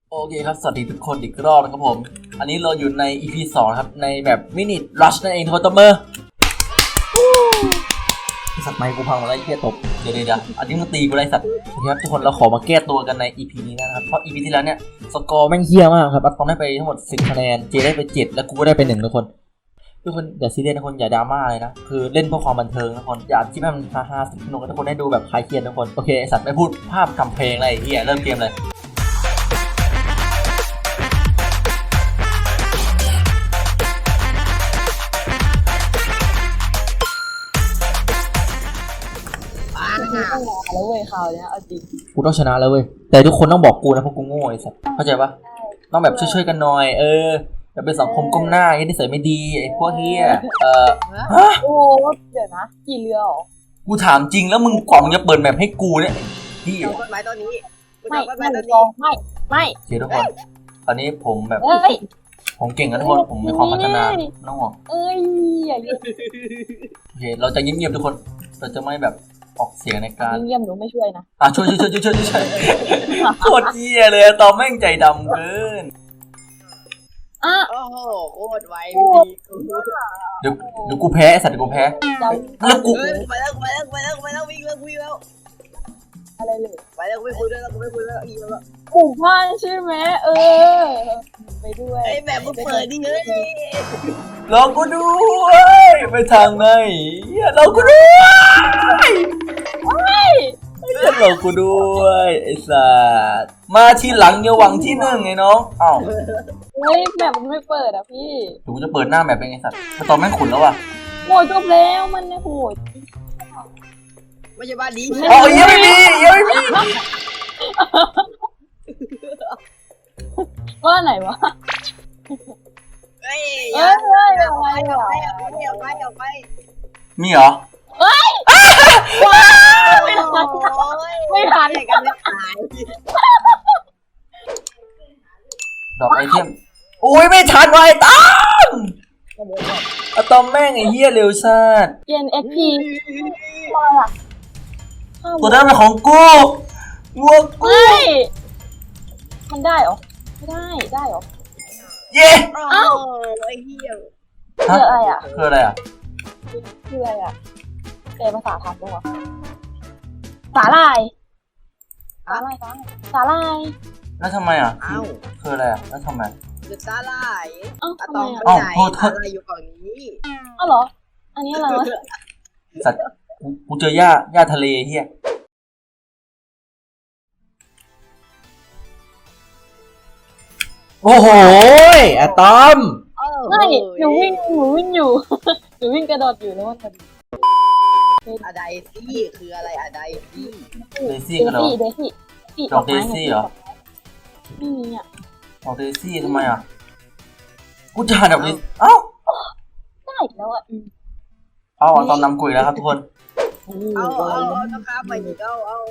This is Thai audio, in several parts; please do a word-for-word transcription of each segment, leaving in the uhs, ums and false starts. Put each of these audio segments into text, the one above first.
โอเคครับสวัสดีทุกคนอีกรอบนะครับผมอันนี้เราอยู่ใน อี พี สองครับในแบบมินิรัชนั่นเองทุกคนตัวเมอร์สัตว์ไม้กูพังมาแล้วไอ้เหี้ยตบเดี๋ยวเดี๋ยวอันนี้มึงตีกูไรสัตว์โอเคครับทุกคนเราขอมาแก้ตัวกันใน อี พี นี้นะครับเพราะ อี พี ที่แล้วเนี่ยสกอร์แม่งเหี้ยมากครับอัตตอมได้ไปทั้งหมดสิบคะแนนเจได้ไปเจ็ดแล้วกูก็ได้ไปหนึ่งทุกคนทุกคนอย่าซีเรียสทุกคนอย่าดราม่าเลยนะคือเล่นเพื่อความบันเทิงทุกคนอย่าคิดให้มันฮาฮาสนุกทุกคนได้ดูแบบคลายเครียดทุกคนโอเคสัตว์ไม่พูดภาพทำเพลงอะไรเหี้ยเริ่มเกมเลยแล้วเว้ยข่าวเนี้ยเอาจริงกูต้องชนะแล้วเว้ยแต่ทุกคนต้องบอกกูนะเพราะกูโง่ไอ้สัสเข้าใจปะต้องแบบช่วยๆกันหน่อยเออจะเป็นสังคมก้มหน้าไอ้นิสัยไม่ดีไอ้พวกเฮียเออฮะโอ้เดี๋ยวนะกี่เรือหรอกูถามจริงแล้วมึงกล่องจะเปิดแบบให้กูเนี่ยพี่เอากฎหมายตอนนี้ไม่ไม่ไม่ไม่โอเคทุกคนตอนนี้ผมแบบผมเก่งนะทุกคนผมมีความพัฒนาน้องหรอเอ้ยอย่าเยอะโอเคเราจะเงียบๆทุกคนเราจะไม่แบบออกเสียงในการเงียบหนูไม่ช่วยนะอ่ะช่วยช่วยช่วยช่วยช่วยช่วยโคตรเยี่ยเลยตอมแม่งใจดำเกินอ่ะโอ้โหโคตรไวพี่เดี๋ยวเดี๋ยวกูแพ้ไอ้สัตว์เดี๋ยวกูแพ้แล้วกูไปแล้วไปแล้วไปแล้วไปแล้ววิ่งแล้ววิ่งแล้วอะไรเลยไปแล้วไม่คุยด้วยแล้วไม่คุยแล้วอีกแล้วหมู่บ้านใช่ไหมเออไปด้วยไอ้แบบมึงเปิดดิเฮ้ยรอกูด้วยไปทางไหนรอกูด้วยรอกูด้วยไอ้สัสมาทีหลังอย่าหวังที่หนึ่งไงน้องอ้าวเฮ้ยแบบมันไม่เปิดอ่ะพี่กูจะเปิดหน้าแบบเป็นไงสัตว์มาตอนแม่งขุนแล้วอ่ะโหดจบแล้วมันเนี่ยโหดไม่ใช่บ้านนี้อ๋อยังไม่มียังไม่มีว่าไหนวะเฮ้ยเฮ้ยเฮ้ยเอาไปเอาไปเอาไปเอาไปเอาไปมีเหรอเฮ้ยไม่ทันไม่ทันกันไม่ตายดอกไอเทมอุ้ยไม่ทันไว้ตั้งอะตอมแม่งไอ้เหี้ยเร็วชาติเปลี่ยน เอ็ก พีตัวนั้นเป็นของกูวัวกูมันได้เหรอไม่ได้ได้เหรอเย้เอ้าไอ้เหี้ยคืออะไรอ่ะคืออะไรอ่ะคืออะไรอ่ะแปลภาษาไทยด้วยวะสาลายสาลายสาลายแล้วทำไมอ่ะคืออะไรอ่ะแล้วทำไมคือสาลายอ้าวทำไมอ่ะอ้าวโทษโทษอยู่ฝั่งนี้อ้าวเหรออันนี้อะไรวะสัตว์กูเจอหญ้าหญ้าทะเลเฮียโอ้โหอะตอมไม่หนูวิ่งหนูวิ่งอยู่หนูวิ่งกระโดดอยู่แล้วมันอะไดซี่คืออะไรอะไดซี่เดซี่กันเหรอเดซี่ดอกเดซี่เหรอไม่มีอ่ะดอกเดซี่ทำไมอ่ะกูจะหาดอกนี้เอ้าได้แล้วอ่ะเอาตอนนำกุยแล้วครับทุกคนเอาเอาเอานะครับไปอีกเอาเอา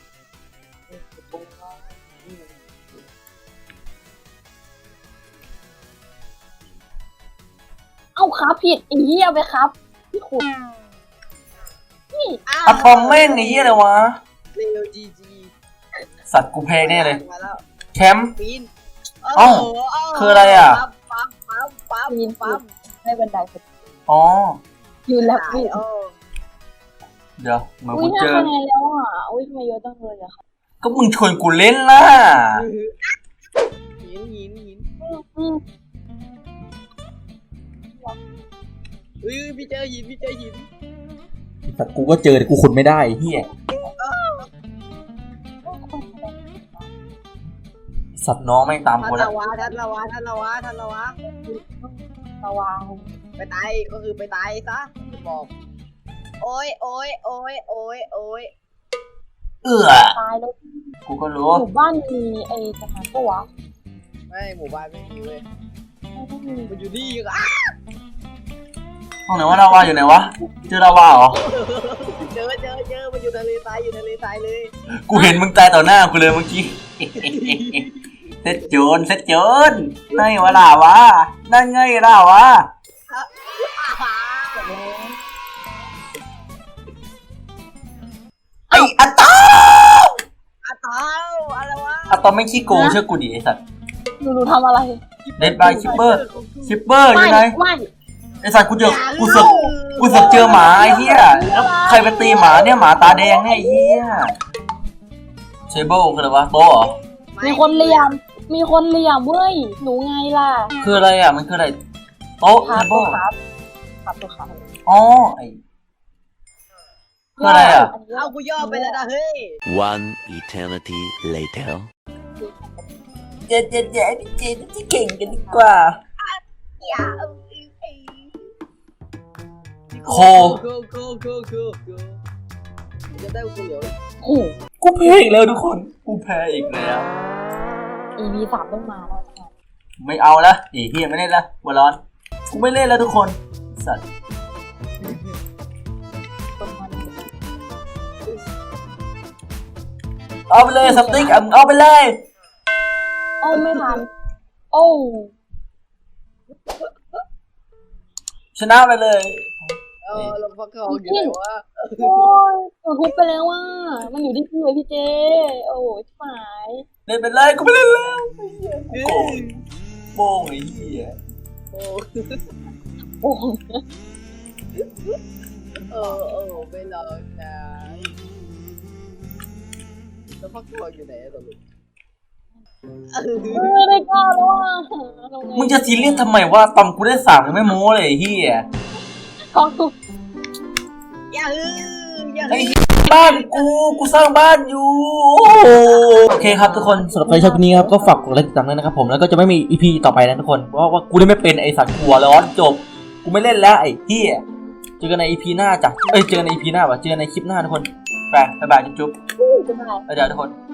เอาครับผิดอีเหี้ยไปครับพี่ขุดนี่อะตอมแม่งไอ้เหี้ยอะไรวะเร็วจีจีสัตว์กูแพ้แน่เลยแชมป์อ้าวคืออะไรอ่ะปั๊มปั๊มปั๊มยินปั๊มให้บันไดสุดอ๋อยืนแล้วพี่เดี๋ยวเหมือนกูเจออุ้ยห้าคะแนนแล้วอ่ะอุ้ยทำไมเยอะจังเลยอะค่ะก็มึงชวนกูเล่นล่ะหินหินหินอุ้ยพี่เจอหินพี่เจอหินแต่กูก็เจอแต่กูขุดไม่ได้เฮียสัตว์น้องแม่งตามกูแล้วทันละวะทันละวะทันละวะทันละวะระวังไปตายก็คือไปตายซะบอกโอ้ยโอ้ยโอ้ยโอ้ยโอ้ยเออตายแล้วกูก็รู้หมู่บ้านมีไอ้สถานปะวะไม่หมู่บ้านไม่มีเว้ยมันอยู่นี่อ่ะห้องไหนวะลาวาอยู่ไหนวะเจอลาวาเหรอเจอเจอเจอมันอยู่ทะเลทรายอยู่ทะเลทรายเลยกูเห็นมึงตายต่อหน้ากูเลยเมื่อกี้เซ็ตโจนเซ็ตโจนนั่นไงวะลาวานั่นไงลาวาไอ้อะตอมอะตอมอะไรวะอะตอมไม่ขี้โกงเชื่อกูดิไอ้สัตว์หนูหนูทำอะไรเดดบายชิปเปอร์ชิปเปอร์อยู่ไม่ไหนไม่ไอ้สัตว์กูเจอกูเสือกกูเสือกเจอหมาไอ้เหี้ยแล้วใครไปตีหมาเนี่ยหมาตาแดงเนี่ยไอ้เหี้ยเชเบิลคืออะไรวะโต๊ะเหรอมีคนเหลี่ยม มีคนเหลี่ยมเว้ยหนูไงล่ะคืออะไรอ่ะมันคืออะไรโต๊ะครัเชบเบิลครับครับตัวครับอ๋อไอ้คืออะไรอ่ะเอากูย่อไปแล้วนะเฮ้ย One eternity later. เจ๊เจ๊เจ๊พี่เจ๊ที่เก่งกันดีกว่าอย่าเอาไอ้โคโคโคโคโคโคจะได้กูเหลียวโอ้โหกูแพ้อีกแล้วทุกคน กูแพ้อีกแล้วอีพีสามต้องมาแล้วนะไม่เอาละไอ้เฮียไม่เล่นละหัวร้อน กูไม่เล่นแล้วทุกคน สัตว์คนมันเอาไปเลยสติ๊กอ่ะมึงเอาไปเลยโอ้ไม่ทัน โอ้ชนะไปเลยเออเราพักเขาอยู่ไหนวะโอ้ยหนูทุบไปแล้วว่า มันอยู่ที่พี่เลยพี่เจ โอ้ยชิบหายเล่นไปเลยกูไม่เล่นแล้วไอ้เหี้ยกูโกรธโป้งไอ้เหี้ยโอ้โอ้เออเออไม่รอนะแล้วพักเขาอยู่ไหนตอนนี้ไม่ได้กล้าแล้วอ่ะทำไมึงจะซีเรียสทำไมว่าตอมกูได้สามยังไม่โม้เลยไอ้เหี้ยท้องทุกอย่าฮืออย่าไอ้ฮือเหี้ยบ้านกู กูสร้างบ้านอยู่ โอ้โหโอเคครับทุกคนสำหรับใครชอบคลิปนี้ครับก็ฝากกดไลค์ติดตามด้วยนะครับผมแล้วก็จะไม่มี อี พี ต่อไปนะทุกคนเพราะว่ากูได้ไม่เป็นไอ้สัตว์หัวร้อนจบกูไม่เล่นแล้วไอ้เหี้ยเจอกันใน อี พี หน้าจ้ะเอ้ยเจอกันใน อี พี หน้าว่ะเจอกันในคลิปหน้าทุกคนไปบ๊ายบายจุ๊บจะได้ๆบ๊ายบายทุกคน